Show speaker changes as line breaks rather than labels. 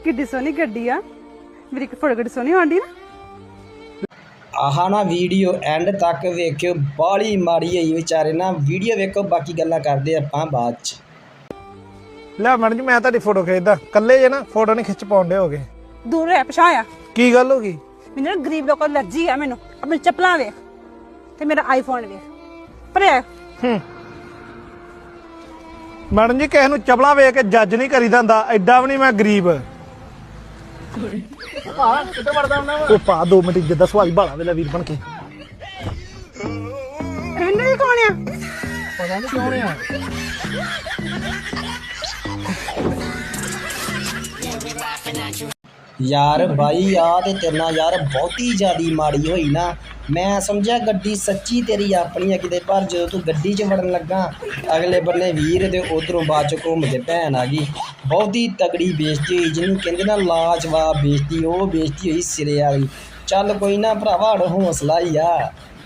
ਕਿੱਡੀ ਸੋਹਣੀ ਗੱਡੀ ਆ। ਮੇਰੀ ਇੱਕ ਫੋਟੋ ਕਿੱਡੀ ਸੋਹਣੀ ਆਉਂਦੀ ਨਾ।
ਆਹ ਨਾ ਵੀਡੀਓ ਐਂਡ ਤੱਕ ਵੇਖਿਓ, ਬਾਹਲੀ ਮਾੜੀ ਹੋਈ ਵਿਚਾਰੇ ਨਾ। ਵੀਡੀਓ ਵੇਖੋ, ਬਾਕੀ ਗੱਲਾਂ ਕਰਦੇ ਆਪਾਂ ਬਾਅਦ ਚ।
ਲੈ ਮੈਡਮ ਜੀ, ਮੈਂ ਤੁਹਾਡੀ ਫੋਟੋ ਖਿੱਚਦਾ। ਕੱਲੇ ਜੇ ਨਾ ਫੋਟੋ ਨਹੀਂ ਖਿੱਚ ਪਾਉਂਦੇ ਹੋਗੇ।
ਦੂਰ ਰਹਿ, ਪਛਾਇਆ।
ਕੀ ਗੱਲ ਹੋ ਗਈ?
ਮੈਨੂੰ ਨਾ ਗਰੀਬ ਲੋਕਾਂ ਦੀ ਅਲਰਜੀ ਆ। ਮੈਨੂੰ ਆਪਣੀ ਚੱਪਲਾਂ ਵੇਖ ਤੇ ਮੇਰਾ ਆਈਫੋਨ ਵੇਖ। ਪਰ
ਮੈਡਮ ਜੀ, ਕਿਸੇ ਨੂੰ ਚਪਲਾ ਵੇਖ ਕੇ ਜੱਜ ਨਹੀਂ ਕਰੀਦਾ ਹੁੰਦਾ। ਐਡਾ ਵੀ ਨਹੀਂ ਮੈਂ ਗਰੀਬ। ਉਹ ਪਾ 2 ਮਿੰਟ ਜਿੱਦਾਂ ਸਵਾਈ ਭਾਲਾ ਵੇਲਾ ਵੀਰ ਬਣ ਕੇ।
ਰਵਿੰਦਰ ਜੀ ਕੌਣ ਆ?
ਪਤਾ ਨਹੀਂ ਕੌਣ ਆ।
ਯਾਰ ਬਾਈ ਆ ਤੇ ਤੇਰੇ ਨਾਲ ਯਾਰ ਬਹੁਤੀ ਜ਼ਿਆਦੀ ਮਾੜੀ ਹੋਈ ਨਾ। ਮੈਂ ਸਮਝਿਆ ਗੱਡੀ ਸੱਚੀ ਤੇਰੀ ਆਪਣੀ ਆ ਕਿਤੇ, ਪਰ ਜਦੋਂ ਤੂੰ ਗੱਡੀ 'ਚ ਵੜਨ ਲੱਗਾ ਅਗਲੇ ਬੰਨੇ ਵੀਰ ਤੇ ਉਧਰੋਂ ਬਾਅਦ 'ਚ ਘੁੰਮ ਕੇ ਭੈਣ ਆ ਗਈ। ਬਹੁਤੀ ਤਗੜੀ ਬੇਇੱਜ਼ਤੀ ਹੋਈ, ਜਿਹਨੂੰ ਕਹਿੰਦੇ ਨਾ ਲਾਜਵਾਬ ਬੇਇੱਜ਼ਤੀ। ਉਹ ਬੇਇੱਜ਼ਤੀ ਹੋਈ ਸਿਰੇ ਵਾਲੀ। ਚੱਲ ਕੋਈ ਨਾ ਭਰਾਵਾ, ਹੌਸਲਾ ਹੀ ਆ।